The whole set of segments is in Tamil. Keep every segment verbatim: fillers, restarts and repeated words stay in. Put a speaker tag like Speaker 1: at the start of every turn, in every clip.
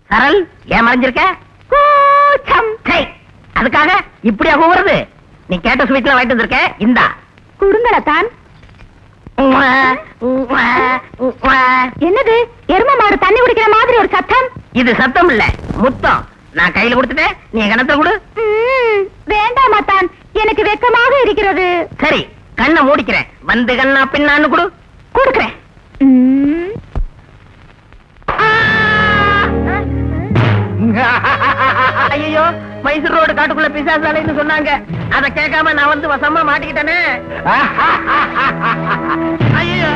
Speaker 1: சரல் ஏன் மறைஞ்சிருக்க? அதுக்காக இப்படியா கூவுறது? நீ கேட்ட ஸ்வீட்ல வாங்கிட்டு வந்திருக்க, இந்தா
Speaker 2: குடுங்கலத்தான். என்னது எரும மாடு தண்ணி குடிக்கிற மாதிரி ஒரு சத்தம்?
Speaker 1: இது சத்தம் இல்ல, முத்தம். நான் கையில கொடுத்துட்டேன், நீ கணத்துல கொடு.
Speaker 2: வேண்டாம் அத்தான், எனக்கு வெக்கமாக இருக்கிறது.
Speaker 1: சரி, கண்ணை மூடிக்கிறேன். வந்து கண்ணா பின்னான்னு கொடு.
Speaker 2: கொடுக்கிறேன்.
Speaker 1: ஐயோ, மைசூர் ரோடு காட்டுக்குள்ள பிசாசாலைன்னு சொன்னாங்க. அத கேட்காம நான் வந்து வசமா மாட்டிக்கிட்டேனே. ஐயோ,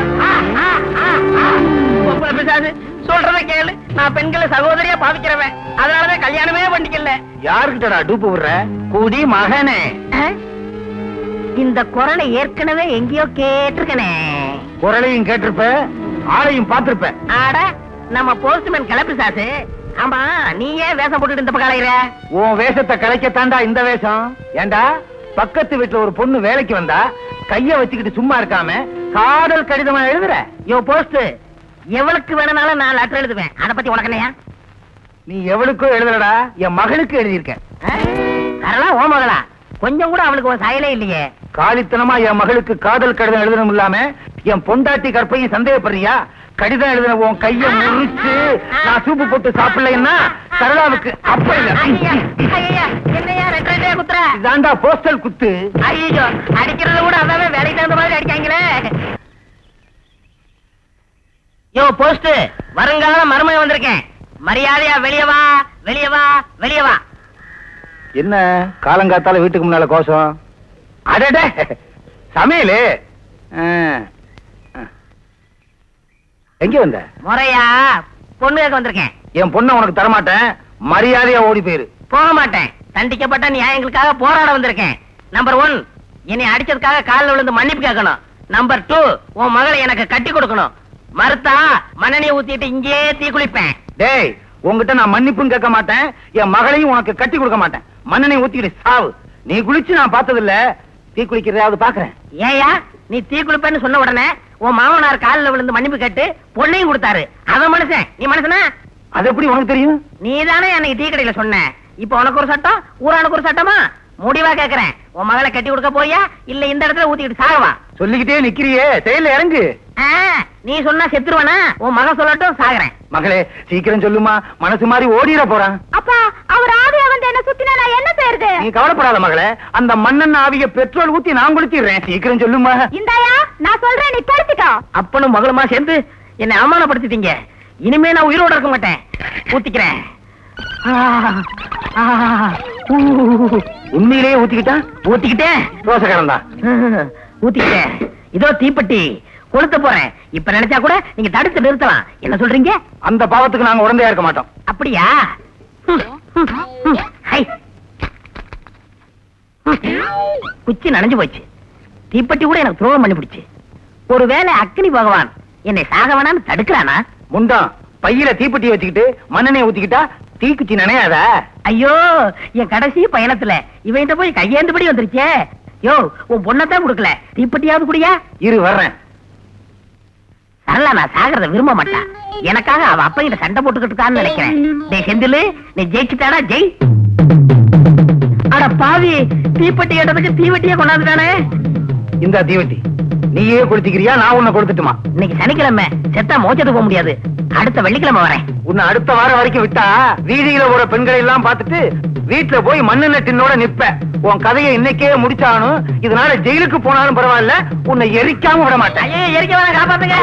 Speaker 1: பிசாசு சொல்றத கேளு. நான் பெண்களை சகோதரியா பாவிக்கிறவன், அதனாலதான் கல்யாணமே பண்ணிக்கல.
Speaker 3: யாருக்கிட்டடா டூப்பு விடுற? கூடி மகனே.
Speaker 1: இந்த குரலை ஏற்கனவே எங்கேயோ கேட்டிருக்கனே.
Speaker 3: குரலையும் கேட்டிருப்ப, ஆளையும் பார்த்திருப்ப.
Speaker 1: ஆட, நம்ம போஸ்ட்மேன் கிளப்பிசாசு. ஆமா, நீ ஏன் வேஷம் போட்டுட்டு இந்த பக்கம் அலையிற?
Speaker 3: உன் வேஷத்தை கலைக்கத்தாண்டா இந்த வேஷம். ஏண்டா, பக்கத்து வீட்டுல ஒரு பொண்ணு வேலைக்கு வந்தா கைய வச்சுக்கிட்டு சும்மா இருக்காம காதல் கடிதமா எழுதுற?
Speaker 1: யோ போஸ்ட், எவளுக்கு வேணும்னாலும் நான் லெட்டர் எழுதுவேன். அத பத்தி உனக்கு என்னையா?
Speaker 3: நீ எவளுக்கும் எழுதலடா, என் மகளுக்கு எழுதியிருக்க.
Speaker 1: அதெல்லாம் ஓ மகளா? கொஞ்சம் கூட அவளுக்கு ஒரு சாயலே இல்லையே.
Speaker 3: காலித்தனமா என் மகளுக்கு காதல் கடிதம் எழுதணும் இல்லாம என் பொண்டாட்டி கற்பையும் சந்தேகப்படுறியா? கடிதம் எழுதின உன் கைய முறிச்சு நான் சூப்பு போட்டு சாப்பிடலைன்னா சரளாவுக்கு அப்ப இல்ல.
Speaker 1: என்னையா ரெண்டு ரெண்டே குத்துற?
Speaker 3: இதாண்டா போஸ்டல் குத்து.
Speaker 1: ஐயோ, அடிக்கிறத கூட அதாவே வேலைக்கு தகுந்த மாதிரி அடிக்காங்களே. யோ போஸ்ட், வருங்கால மருமகன் வந்திருக்கேன். மரியாதையா வெளியே வா, வெளியே வா, வெளியே வா.
Speaker 3: என்ன காலங்காத்தால வீட்டுக்கு முன்னால கோஷம்? அடடே, சமையலு. எங்க வந்த?
Speaker 1: முறையா பொண்ணு கேட்க வந்திருக்கேன்.
Speaker 3: என் பொண்ணை உனக்கு தரமாட்டேன், மரியாதையா ஓடி போயிரு.
Speaker 1: போக மாட்டேன். தண்டிக்கப்பட்ட நியாயங்களுக்காக போராட வந்திருக்கேன். நம்பர் ஒன், என்னை அடிச்சதுக்காக காலில் விழுந்து மன்னிப்பு கேட்கணும். நம்பர் டூ, உன் மகளை எனக்கு கட்டி கொடுக்கணும். மறுத்தா மண்ணெண்ணெய் ஊத்திட்டு இங்கே தீ குளிப்பேன்.
Speaker 3: டேய், உங்ககிட்ட நான் மன்னிப்பும் கேட்க மாட்டேன், என் மகளையும் உனக்கு கட்டி கொடுக்க மாட்டேன். மண்ணெண்ணெய் ஊத்திக்கிட்டு சாவு. நீ குளிச்சு நான் பார்த்தது இல்ல, தீ குளிக்கிறதாவது பாக்குறேன்.
Speaker 1: ஏயா, நீ தீ குளிப்பேன்னு சொன்ன உடனே உன் மாமனார் காலில் விழுந்து மன்னிப்பு கேட்டு பொண்ணையும் கொடுத்தாரு. அவன் மனுஷன், நீ மனுஷனா?
Speaker 3: அது எப்படி உனக்கு தெரியும்?
Speaker 1: நீ தானே அன்னைக்கு டீ கடையில சொன்ன. இப்ப உனக்கு ஒரு சட்டம், ஊரானுக்கு ஒரு சட்டமா? முடிவா கேக்குறேன், உன் மகளை கட்டி கொடுக்க போறியா இல்ல இந்த இடத்துல ஊத்திக்கிட்டு சாகவா?
Speaker 3: சொல்லிக்கிட்டே நிக்கிறியே, செயல இறங்கு.
Speaker 1: நீ சொன்னா செத்துருவானா? உன் மகன் சொல்லட்டும், சாகுறேன்.
Speaker 3: மகளே சீக்கிரம் சொல்லுமா, மனசு மாதிரி ஓடிட போறான்.
Speaker 2: அப்பா, அவர் ஆவியா வந்து என்ன சுத்தினா நான் என்ன செய்யறது?
Speaker 3: நீ கவலைப்படாத மகளே, அந்த மண்ணெண்ண ஆவிய பெட்ரோல் ஊத்தி நான் குளிச்சிடுறேன். சீக்கிரம் சொல்லுமா.
Speaker 2: இந்தாயா, நான் சொல்றேன், நீ படுத்துக்கோ.
Speaker 1: அப்பனும் மகளுமா சேர்ந்து என்னை அவமானப்படுத்திட்டீங்க. இனிமே நான் உயிரோட இருக்க மாட்டேன். ஊத்திக்கிறேன்.
Speaker 3: உண்மையிலேயே ஊத்திக்கிட்டான்.
Speaker 1: ஊத்திக்கிட்டேன்.
Speaker 3: ரோசக்காரன் தான்.
Speaker 1: ஊத்திக்கிட்டேன். இதோ தீப்பெட்டி கொளுத்த போறேன். இப்ப நினைச்சா கூட நீங்க தடுத்து நிறுத்தலாம். என்ன சொல்றீங்க?
Speaker 3: அந்த பாவத்துக்கு நாங்க உடந்தையா இருக்க மாட்டோம்.
Speaker 1: அப்படியா? குச்சி நனைஞ்சு போச்சு. தீப்பெட்டி கூட எனக்கு துரோகம் பண்ணி பிடிச்சு. ஒருவேளை அக்னி பகவான் என்னை சாக வேணான்னு தடுக்கிறானா?
Speaker 3: முண்டம், பையில தீப்பெட்டி வச்சுக்கிட்டு மண்ணெண்ணெய் ஊத்திக்கிட்டா தீக்குச்சி நினையாத.
Speaker 1: ஐயோ, என் கடைசி பயணத்துல இவன்கிட்ட போய் கையேந்துபடி வந்துருச்சே. யோ, உன் பொண்ணத்தான் கொடுக்கல, தீப்பெட்டியாவது குடியா?
Speaker 3: இரு வர்றேன்.
Speaker 1: சரளா நான் சாகிறத விரும்ப மாட்டான். எனக்காக அவ அப்ப கிட்ட சண்டை போட்டுக்கிட்டு இருக்கான்னு நினைக்கிறேன். டேய் செந்திலு, நீ ஜெயிச்சுட்டாடா, ஜெய். அட பாவி, தீப்பெட்டி கேட்டதுக்கு தீவெட்டியே கொண்டாந்துட்டானே.
Speaker 3: இந்த தீவெட்டி நீயே கொடுத்துக்கிறியா, நான் உன்னை கொடுத்துட்டுமா?
Speaker 1: இன்னைக்கு சனிக்கிழமை, செத்தா மோச்சத்துக்கு போக முடியாது. அடுத்த வெள்ளிக்கிழமை வரேன்.
Speaker 3: உன்னை அடுத்த வாரம் வரைக்கும் விட்டா வீதியில ஒரு பெண்களை எல்லாம் பார்த்துட்டு வீட்டுல போய் மண்ணெண்ண டின்னோட நிப்ப. உன் கதையை இன்னைக்கே முடிச்சானும், இதனால ஜெயிலுக்கு போனாலும் பரவாயில்ல, உன்னை எரிக்காம விட மாட்டேன்.
Speaker 1: எரிக்க வேணா, காப்பாத்துங்க.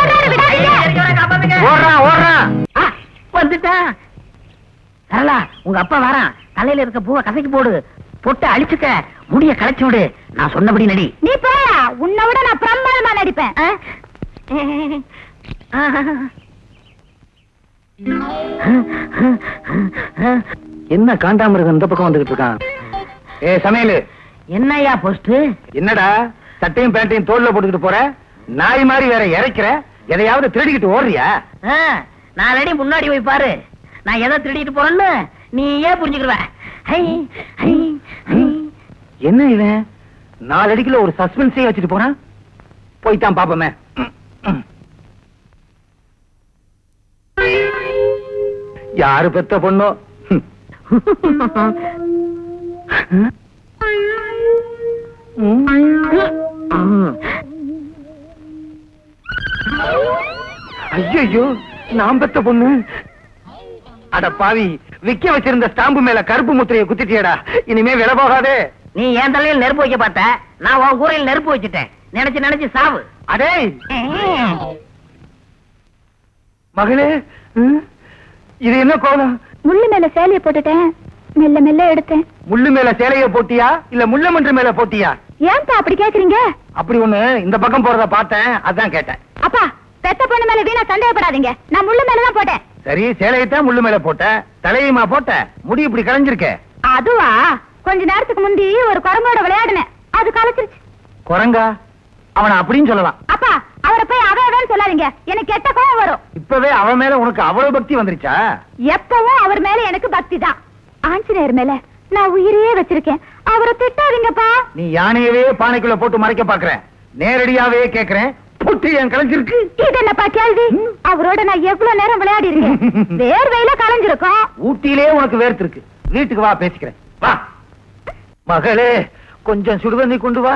Speaker 3: ஓடுறான் ஓடுறான்.
Speaker 1: வந்துட்டா சரளா, உங்க அப்பா வரான். தலையில இருக்க பூவை கசக்கி போடு, பொட்டு அழிச்சுக்க, முடிய களைச்சு விடு. நான் சொன்னபடி நடி.
Speaker 2: நீ போயா, உன்னை விட நான் பிரம்மாண்டமா நடிப்பேன்.
Speaker 3: என்ன காண்டாமிருகம் இந்த பக்கம் வந்துகிட்டு இருக்கான்? ஏ சமையலு,
Speaker 1: என்னையா போஸ்ட்?
Speaker 3: என்னடா சட்டையும் பேண்டையும் தோல்ல போட்டுக்கிட்டு போற? நாய் மாதிரி வேற இறைக்கிற? எதையாவது திருடிக்கிட்டு ஓடுறியா?
Speaker 1: நாலடி முன்னாடி போய் பாரு, நான் எதை திருடிட்டு போறேன்னு நீ ஏன் புரிஞ்சுக்கிற?
Speaker 3: என்ன இவன் நாலு அடிக்குள்ள ஒரு சஸ்பென்ஸே வச்சுட்டு போறான்? போய்தான் பாப்பமே. யாரு பெத்த பொண்ணோ? ஐயோ, நான் பெத்த பொண்ணு. அட பாவி, விக்க வச்சிருந்த ஸ்டாம்பு மேல கருப்பு முத்திரையை குத்திட்டியடா. இனிமே விலை போகாதே.
Speaker 1: நீ என் தலையில் நெருப்பு வைக்க பார்த்த, நான் உன் கூரையில் நெருப்பு வச்சுட்டேன். நினைச்சு நினைச்சு சாவு.
Speaker 3: அடே மகளே, ம், இது என்ன கோலம்?
Speaker 2: முள்ளு மேல சேலைய போட்டுட்டேன், மெல்ல மெல்ல எடுத்தேன்.
Speaker 3: முள்ளு மேல சேலைய போட்டியா இல்ல முள்ள மன்று மேல போட்டியா?
Speaker 2: ஏன்பா அப்படி கேக்குறீங்க?
Speaker 3: அப்படி ஒண்ணு இந்த பக்கம் போறத பார்த்தேன், அதான் கேட்டேன்.
Speaker 2: அப்பா, பெத்த பொண்ணு மேல வீணா சந்தேகப்படாதீங்க. நான் முள்ளு மேலதான் போட்டேன்.
Speaker 3: சரி, சேலையத்தான் முள்ளு மேல போட்ட, தலையுமா போட்ட, முடி இப்படி கலைஞ்சிருக்க.
Speaker 2: அதுவா, கொஞ்ச நேரத்துக்கு முந்தி ஒரு குரங்கோட விளையாடுனேன், அது கலைச்சிருச்சு.
Speaker 3: குரங்கா? அவன அப்படின்னு சொல்லலாம்.
Speaker 2: அப்பா, அவரை போய் அவன் சொல்லாதீங்க, எனக்கு கெட்ட கோவம் வரும்.
Speaker 3: இப்பவே அவன் மேல உனக்கு அவ்வளவு பக்தி வந்துருச்சா?
Speaker 2: எப்பவும் அவர் மேல எனக்கு பக்தி தான். ஆஞ்சநேயர் மேல நான் உயிரையே வச்சிருக்கேன், அவரை திட்டாதீங்கப்பா.
Speaker 3: நீ யானையவே பானைக்குள்ள போட்டு மறைக்க பாக்குற. நேரடியாவே கேக்குறேன், புட்டு என் கலைஞ்சிருக்கு.
Speaker 2: இது என்னப்பா கேள்வி? அவரோட நான் எவ்வளவு நேரம் விளையாடி இருக்கேன், வேர்வையில கலைஞ்சிருக்கோம்.
Speaker 3: ஊட்டியிலே உனக்கு வேர்த்திருக்கு. வீட்டுக்கு வா, பேசிக்கிறேன். வா மகளே, கொஞ்சம் சுடுதண்ணி கொண்டு வா.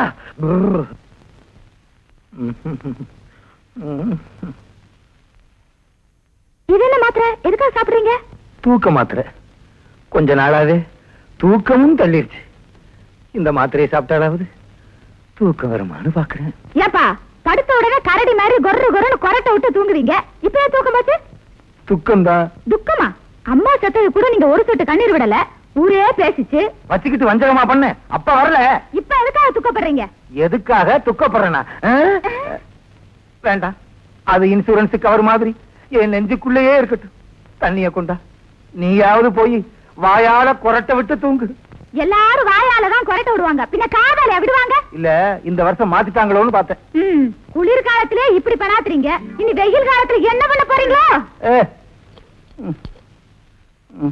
Speaker 2: இது என்ன மாத்திரை? எதுக்காக சாப்பிடுறீங்க?
Speaker 3: தூக்க மாத்திரை. கொஞ்ச நாளாவே தூக்கமும் தள்ளிருச்சு. இந்த மாத்திரையை சாப்பிட்டாலாவது தூக்கம் வருமானு பாக்குறேன்.
Speaker 2: ஏப்பா, படுத்த உடனே கரடி மாதிரி கொர்ரு கொர்ருன்னு கொரட்டை விட்டு தூங்குவீங்க, இப்ப ஏன் தூக்கம் போச்சு?
Speaker 3: துக்கம்தான்.
Speaker 2: துக்கமா? அம்மா செத்தது கூட நீங்க ஒரு சொட்டு கண்ணீர் விடல, ஊரே பேசிச்சு.
Speaker 3: வச்சுக்கிட்டு வஞ்சகமா பண்ண, அப்ப வரல.
Speaker 2: இப்ப எதுக்காக துக்கப்படுறீங்க?
Speaker 3: எதுக்காக துக்கப்படுறேனா? வேண்டாம், அது இன்சூரன்ஸ் கவர் மாதிரி என் நெஞ்சுக்குள்ளேயே இருக்கட்டும். தண்ணிய கொண்டா, நீயாவது போய் வாயால கொரட்டை விட்டு தூங்கு.
Speaker 2: எல்லாரும் வாயாலதான் கொரட்டை விடுவாங்க, பின்ன காதால விடுவாங்க?
Speaker 3: இல்ல, இந்த வருஷம் மாத்திட்டாங்களோன்னு பார்த்தேன்.
Speaker 2: ம், குளிர் காலத்திலே இப்படி பண்ணாத்துறீங்க, இனி வெயில் காலத்துல என்ன பண்ண போறீங்களோ?
Speaker 3: ஏ, ம், ம்.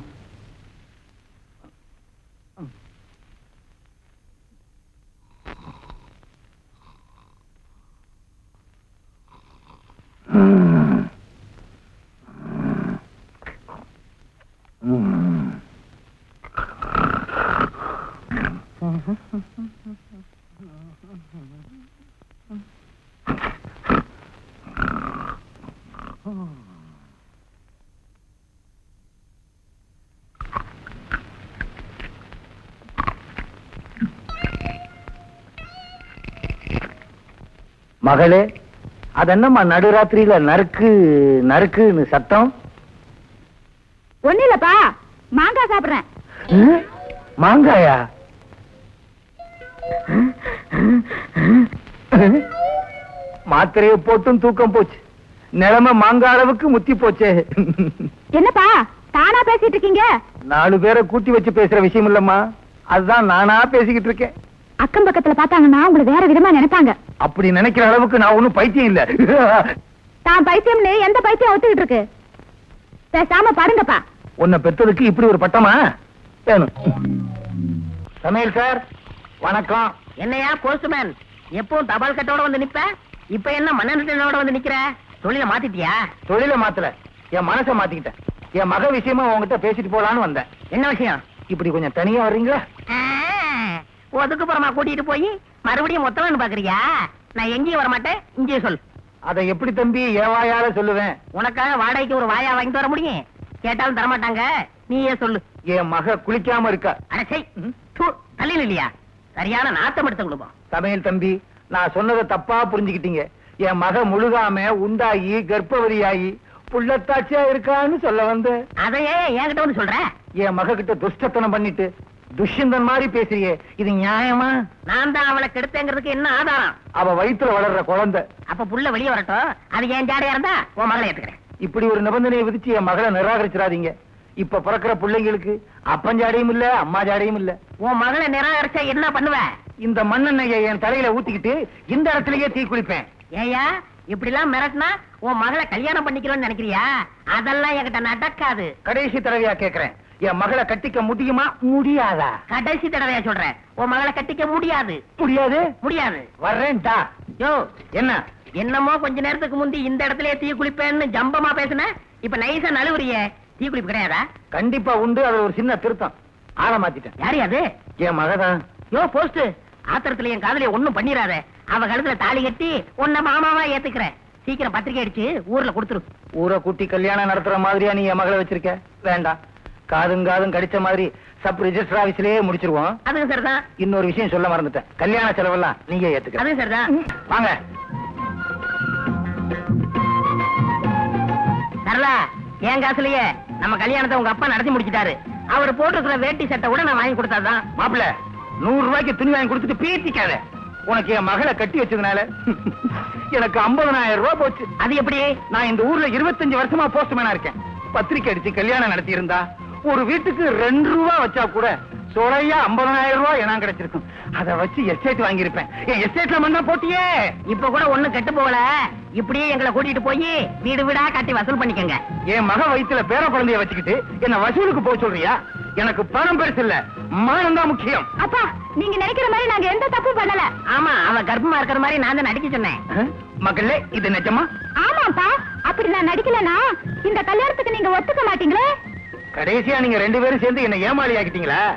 Speaker 3: மகளே, அதென்னம்மா நடுராத்திரியில நறுக்கு நறுக்குன்னு சத்தம்?
Speaker 2: ஒண்ணு இல்லப்பா, மாங்காய் சாப்பிடுறேன்.
Speaker 3: மாங்காயா? மாத்திரையை போட்டும் தூக்கம் போச்சு, நிலைமை மாங்காய் அளவுக்கு முத்தி போச்சே.
Speaker 2: என்னப்பா தானா பேசிட்டு இருக்கீங்க?
Speaker 3: நாலு பேரை கூட்டி வச்சு பேசுற விஷயம் இல்லம்மா, அதுதான் நானா பேசிக்கிட்டு இருக்கேன்.
Speaker 2: அக்கம் பக்கத்துல பார்த்தாங்கன்னா உங்களை வேற விதமா நினைப்பாங்க.
Speaker 3: அப்படி நினைக்கிற அளவுக்கு நான் ஒண்ணும் பைத்தியம் இல்ல.
Speaker 2: தான் பைத்தியம்னு எந்த பைத்தியம் ஒத்துக்கிட்டு இருக்கு? பேசாம பாருங்கப்பா.
Speaker 3: உன்னை பெற்றதுக்கு இப்படி ஒரு பட்டமா வேணும். சமையல் சார், வணக்கம்.
Speaker 1: என்னையா போஸ்ட்மேன், எப்பவும் தபால் கட்டோட வந்து நிப்ப, இப்ப என்ன மண்ணெண்ணோட வந்து நிக்கிற? தொழில மாத்திட்டியா?
Speaker 3: தொழில மாத்தல, என் மனசை மாத்திக்கிட்டேன். என் மக விஷயமா உங்ககிட்ட பேசிட்டு போலான்னு வந்தேன்.
Speaker 1: என்ன விஷயம்?
Speaker 3: இப்படி கொஞ்சம் தனியா வர்றீங்களா?
Speaker 1: ஒதுக்குப்புறமா கூட்டிட்டு போய் மறுபடியும் மொத்தம்னு பாக்குறியா? நான் எங்கேயும் வர மாட்டேன், இங்கேயே சொல்.
Speaker 3: அதை எப்படி தம்பி என் வாயால சொல்லுவேன்?
Speaker 1: உனக்காக வாடகைக்கு ஒரு வாயா வாங்கிட்டு வர முடியும்? கேட்டாலும் தரமாட்டாங்க, நீயே சொல்லு.
Speaker 3: என் மக குளிக்காம இருக்கா.
Speaker 1: அடச்சை, தள்ளியில் இல்லையா? சரியான நாத்தம் எடுத்த குடும்பம்.
Speaker 3: சமையல் தம்பி, நான் சொன்னதை தப்பா புரிஞ்சுக்கிட்டீங்க. என் மக முழுகாம உண்டாகி கர்ப்பவதியாகி புள்ளத்தாட்சியா இருக்கான்னு சொல்ல வந்து.
Speaker 1: அதையே என்கிட்ட வந்து சொல்ற?
Speaker 3: என் மக கிட்ட துஷ்டத்தனம் பண்ணிட்டு துஷ்யந்தன் மாதிரி பேசுறியே, இது நியாயமா?
Speaker 1: நான் தான் அவளை கெடுத்தேங்கிறதுக்கு என்ன ஆதாரம்?
Speaker 3: அவ வயித்துல வளர்ற குழந்தை.
Speaker 1: அப்ப புள்ள வெளியே வரட்டும், அது என் ஜாடையா இருந்தா உன் மகளை ஏத்துக்கிறேன்.
Speaker 3: இப்படி ஒரு நிபந்தனையை விதிச்சு என் மகளை நிராகரிச்சிடாதீங்க. இப்ப பிறக்கிற பிள்ளைங்களுக்கு அப்பஞ்சாடையும் இல்ல, அம்மா ஜாடையும் இல்ல.
Speaker 1: உன் மகளை நிராகரிச்சா என்ன பண்ணுவ?
Speaker 3: இந்த மண்ணெண்ணெயை என் தலையில ஊத்திக்கிட்டு இந்த இடத்துலயே தீ குளிப்பேன்.
Speaker 1: ஏயா இப்படி எல்லாம் மிரட்டினா உன் மகளை கல்யாணம் பண்ணிக்கலாம்னு நினைக்கிறியா? அதெல்லாம் என்கிட்ட நடக்காது.
Speaker 3: கடைசி தடவையா கேக்குறேன், என் மகளை கட்டிக்க முடியுமா முடியாதா?
Speaker 1: கடைசி தடவையா சொல்றேன், உன் மகளை கட்டிக்க முடியாது.
Speaker 3: முடியாது
Speaker 1: முடியாது.
Speaker 3: வர்றேன்டா.
Speaker 1: யோ
Speaker 3: என்ன
Speaker 1: என்னமோ கொஞ்ச நேரத்துக்கு முந்தி இந்த இடத்துலயே தீ குளிப்பேன்னு ஜம்பமா பேசுன, இப்ப நைசா நழுவுறிய. தீ குளிப்பு கிடையாதா?
Speaker 3: கண்டிப்பா உண்டு. அது ஒரு சின்ன திருத்தம். ஆள மாத்திட்டேன்.
Speaker 1: யாரு அது?
Speaker 3: என் மகதான்.
Speaker 1: யோ போஸ்ட், ஆத்திரத்துல என் காதலிய ஒண்ணும் பண்ணிராத. அவ கழுத்துல தாலி கட்டி உன்ன மாமாவா ஏத்துக்கிறேன். சீக்கிரம் பத்திரிக்கை அடிச்சு ஊர்ல கொடுத்துரு.
Speaker 3: ஊரை கூட்டி கல்யாணம் நடத்துற மாதிரியா நீ என் மகளை வச்சிருக்க? வேண்டாம். காதும் காதும் கடிச்ச மாதிரி சப் ரிஜிஸ்டர் ஆபீஸ்லயே முடிச்சிருவோம்.
Speaker 1: அதுவும் சரிதான்.
Speaker 3: இன்னொரு விஷயம் சொல்ல மறந்துட்டேன். கல்யாண செலவெல்லாம் நீங்க ஏத்துக்க.
Speaker 1: அதுவும் சரிதான்.
Speaker 3: வாங்க.
Speaker 1: சரளா, என் காசுலயே நம்ம கல்யாணத்தை உங்க அப்பா நடத்தி முடிச்சிட்டாரு. அவர் போட்டிருக்கிற வேட்டி சட்டை கூட நான் வாங்கி கொடுத்தாதான்.
Speaker 3: மாப்பிள்ள, நூறு ரூபாய்க்கு துணி வாங்கி கொடுத்துட்டு பீத்திக்காத. உனக்கு என் மகளை கட்டி வச்சதுனால எனக்கு ஐம்பதனாயிரம் ரூபாய் போச்சு.
Speaker 1: அது எப்படி?
Speaker 3: நான் இந்த ஊர்ல இருபத்தஞ்சு வருஷமா போஸ்ட்மேனா இருக்கேன். பத்திரிக்கை அடிச்சு கல்யாணம் நடத்தி இருந்தா ஒரு வீட்டுக்கு ரெண்டு ரூபா வச்சா கூட சொலையா ஐம்பதனாயிரம் ரூபாய் எனக்கு கிடைச்சிருக்கும். அதை வச்சு எஸ்டேட் வாங்கியிருப்பேன். என் எஸ்டேட்ல மண்ணா போட்டியே.
Speaker 1: இப்ப கூட ஒண்ணு கெட்டு போகல. இப்படியே எங்களை கூட்டிட்டு போய் வீடு வீடா கட்டி வசூல் பண்ணிக்கங்க.
Speaker 3: என் மக வயித்துல பேர குழந்தைய வச்சுக்கிட்டு என்ன வசூலுக்கு போக சொல்றியா? எனக்கு பணம் பெருசு இல்ல, மானம் தான் முக்கியம்.
Speaker 2: அப்பா, நீங்க நினைக்கிற மாதிரி நாங்க எந்த தப்பு பண்ணல.
Speaker 1: ஆமா, அவ கர்ப்பமா இருக்கிற மாதிரி நான் தான் நடிக்க சொன்னேன்.
Speaker 3: அஹ், மக்களே, இது நிஜமா?
Speaker 2: ஆமாப்பா, அப்படி நான் நடிக்கலனா இந்த கல்யாணத்துக்கு நீங்க ஒத்துக்க மாட்டீங்களே.
Speaker 3: கடைசியா நீங்க ரெண்டு பேரும் சேர்ந்து என்ன ஏமாளி ஆக்கிட்டீங்களா?